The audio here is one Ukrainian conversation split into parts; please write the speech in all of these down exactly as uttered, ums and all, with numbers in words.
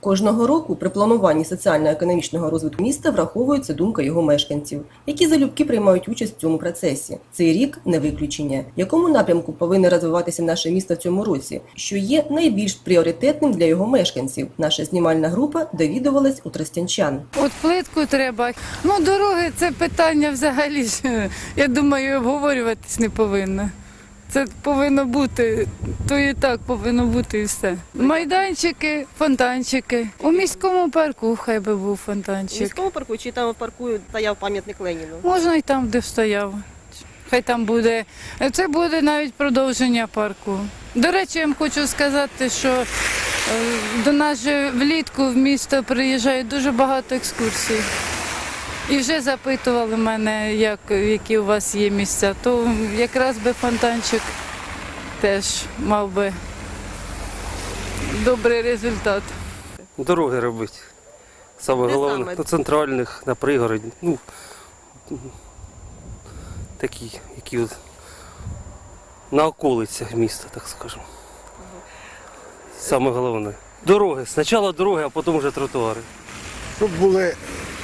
Кожного року при плануванні соціально-економічного розвитку міста враховується думка його мешканців, які залюбки приймають участь в цьому процесі. Цей рік не виключення. В якому напрямку повинно розвиватися наше місто в цьому році, що є найбільш пріоритетним для його мешканців? Наша знімальна група довідувалась у тростянчан. От плитку треба. Ну, дороги – це питання взагалі, я думаю, обговорюватись не повинно. Це повинно бути, то і так повинно бути і все. Майданчики, фонтанчики. У міському парку хай би був В фонтанчик. міському парку чи там в парку стояв пам'ятник Леніну? Можна і там, де стояв. Хай там буде. Це буде навіть продовження парку. До речі, я вам хочу сказати, що е, до нас же влітку в місто приїжджає дуже багато екскурсій. І вже запитували мене, як, які у вас є місця, то якраз би фонтанчик теж мав би добрий результат. Дороги робити. Саме Де головне, саме? до центральних, на пригороді. Ну, такі, які от на околицях міста, так скажемо. Саме головне. Дороги. Спочатку дороги, а потім вже тротуари. Щоб були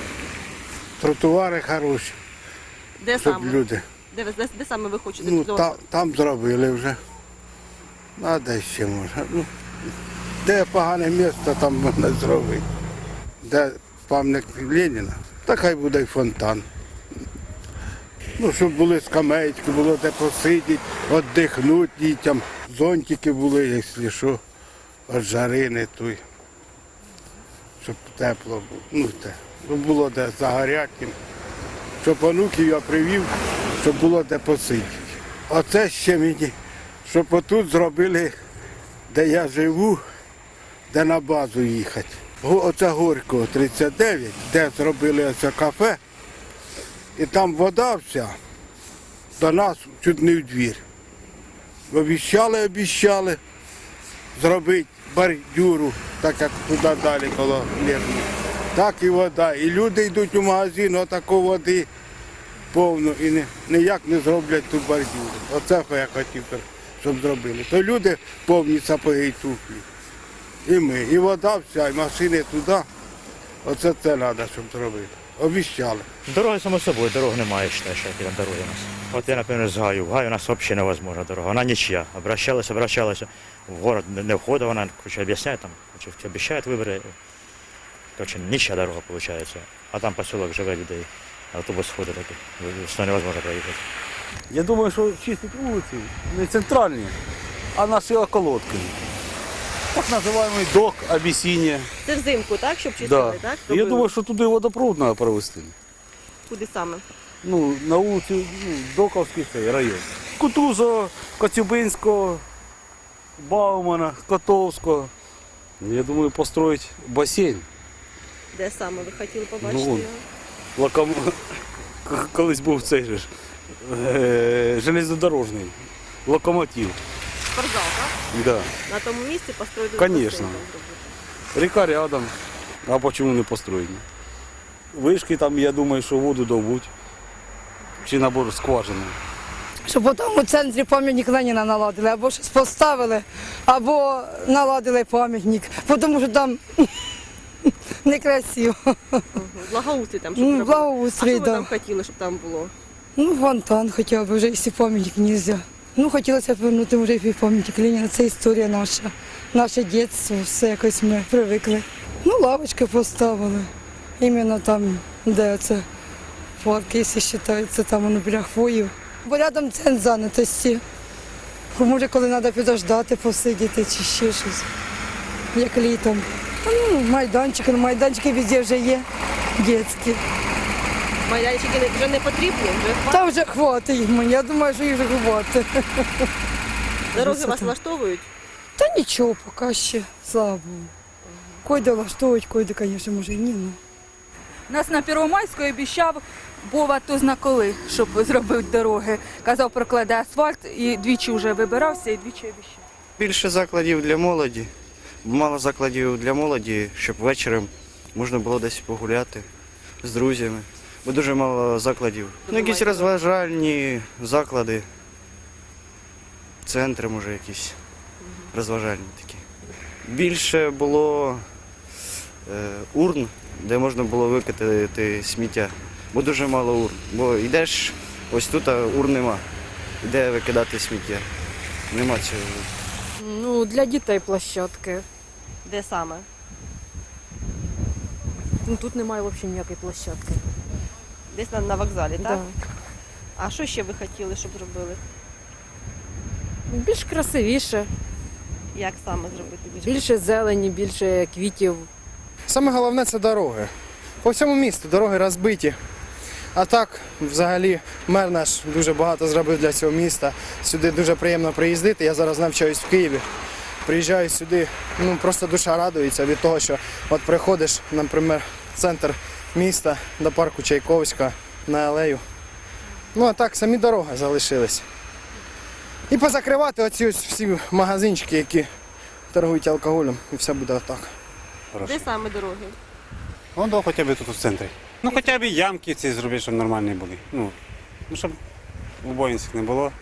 тротуари хороші, Де щоб саме? люди. Де, ви- де, де саме ви хочете Ну, зробити? та, там зробили вже. А де ще можна? Ну, де погане місце, там можна зробити. Де пам'ятник Леніна, так хай буде й фонтан. Ну, щоб були скамеечки, було де посидіти, віддихнути дітям. Зонтики були, якщо що, від жари не той. Щоб тепло було. Ну, те. Щоб було де загоряти. Щоб онуків я привів, щоб було де посидіти. Оце ще мені, щоб отут зробили, де я живу, де на базу їхати. Го- Оце Горького тридцять дев'ять, де зробили оце кафе, і там вода вся до нас чуть не в двір. Обіщали, обіщали зробити бордюру, так як туди далі коло Лєвні. Так і вода. І люди йдуть у магазин, отако води повно і не, ніяк не зроблять ту бордюру. Оце я хотів, щоб зробили. То люди повні сапоги і туфлі. І ми. І вода вся, і машини туди. Оце це треба, щоб зробити. Обіщали. Дороги, само собою, дорог немає, считаю, що які там дороги у нас. От я, наприклад, з Гаю. В Гаю у нас взагалі невозможна дорога. Вона нічия. Обращалася, обращалася. В город не входить, вона короче, об'ясняє, там, короче, обіцяють вибори. Короче, нічия дорога виходить. А там поселок живе людей. Автобус ходить такий. Що невозможно проїхати. Я думаю, що чистять вулиці не центральні, а наші околотки. Так називаємо док, Абісіння. Це взимку, так? Щоб чистили, Да. так? Я Робили? думаю, що туди водопровод треба провести. Куди саме? Ну, на вулиці ну, Доковський цей район. Кутузова, Коцюбинського, Баумана, Котовського. Я думаю, построїти басейн. Де саме ви хотіли побачити Ну, його? Локом... Колись був цей же ж, е, железнодорожний локомотив. Спортзал, так? Да. На тому місці построїти Конечно. басейн там зробити. Ріка рядом, а чому не построєні? Вишки там, я думаю, що воду добуть. Чи набор скважини. Щоб там у центрі пам'ятник Леніна наладили, або щось поставили, або наладили пам'ятник, тому що там некрасиво. Мгм. Благоустрій там, щоб Ну, зробити. благоустрій, А що ви да. там хотіли, щоб там було? Ну, фонтан хоча б, вже якщо пам'ятник не можна. Ну, хотілося б повернути вже і пам'ятник Леніна, це історія наша, наше дитинство, все якось ми привикли. Ну, лавочки поставили, іменно там, де це парк, якщо вважається, там воно біля хвоїв. Бо рядом центр зайнятості. Може, коли треба підождати, посидіти чи ще щось, як літом. Та, ну, майданчики, ну, майданчики везде вже є, дитячі. Майданчики не- вже не потрібні, вже хватить? Та вже хватить мені, я думаю, що їх вже хватить. Дороги вас влаштовують? Та нічого, поки ще, слава Богу. Койде влаштовують, койде, звісно, може і ні. Ну. Нас на Первомайську обіцяв Бова то зна коли, щоб зробити дороги. Казав, прокладе асфальт і двічі вже вибирався і двічі обіцяв. Більше закладів для молоді, мало закладів для молоді, щоб вечором можна було десь погуляти з друзями. Бо дуже мало закладів. Ну, якісь розважальні заклади, центри, може, якісь розважальні такі. Більше було е, урн, де можна було викидати сміття. Бо дуже мало урн. Бо йдеш, ось тут а урн нема. Де викидати сміття? Нема цього. Ну, для дітей площадки. Де саме? Ну, тут немає взагалі ніякої площадки. Десь на, на вокзалі, так? Да. А що ще ви хотіли, щоб зробили? Більш красивіше, Як саме зробити більш? більше зелені, більше квітів. Саме головне це дороги. По всьому місту дороги розбиті. А так, взагалі, мер наш дуже багато зробив для цього міста. Сюди дуже приємно приїздити. Я зараз навчаюсь в Києві. Приїжджаю сюди, ну просто душа радується від того, що от приходиш, наприклад, в центр міста до парку Чайковська на алею. Ну а так, самі дороги залишились. І позакривати оці ось всі магазинчики, які торгують алкоголем, і все буде отак. Де саме дороги? Вон до хоча б тут у центрі. Ну хоча б ямки ці зробити, щоб нормальні були. Ну, ну щоб убоїнських не було.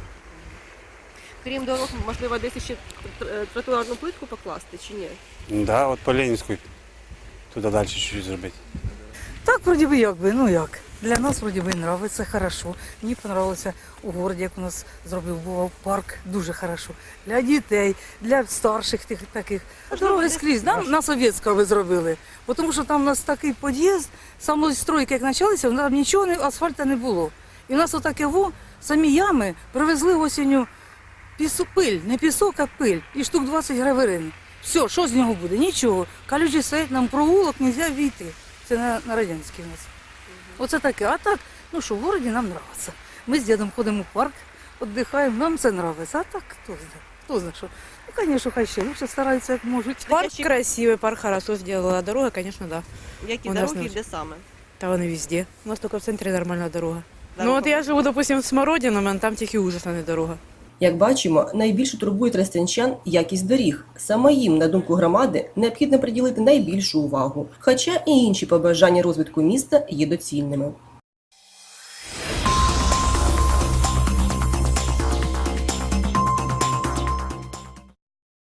Крім дорог, можливо, десь ще тр- тротуарну плитку покласти чи ні? Да, от по Ленінську туди далі чуть-чуть зробити. Так, вроді би, як би, ну як. Для нас, вроді би, подобається, хорошо. Мені подобалося у городі, як у нас зробив був парк, дуже хорошо. Для дітей, для старших тих таких. Дороги скрізь, нам на Совєтська ви зробили. Бо Тому що там у нас такий під'їзд, самої стройки, як почалися, там нічого, не, асфальту не було. І в нас отаке во, самі ями привезли осінню пісу, пиль, не пісок, а пиль. І штук двадцять граверин. Все, що з нього буде? Нічого. Калюжі стоять, нам провулок, не можна війти. Це на, на Радянській у нас. Оце таке. А так, ну що, в городі нам подобається. Ми з дідом ходимо в парк, віддихаємо, нам це подобається. А так, хто знає, хто знає, що. Ну, звісно, хай ще лучше стараються, як можуть. Парк красивий, парк хорошо зробила, а дорога, звісно, да. Які У нас дороги не- де саме? Та вони везде. У нас тільки в центрі нормальна дорога. Дорога Ну от я живу, допустим, в Смородино, а там тільки ужасна не дорога. Як бачимо, найбільше турбує тростянчан якість доріг. Саме їм, на думку громади, необхідно приділити найбільшу увагу. Хоча і інші побажання розвитку міста є доцільними.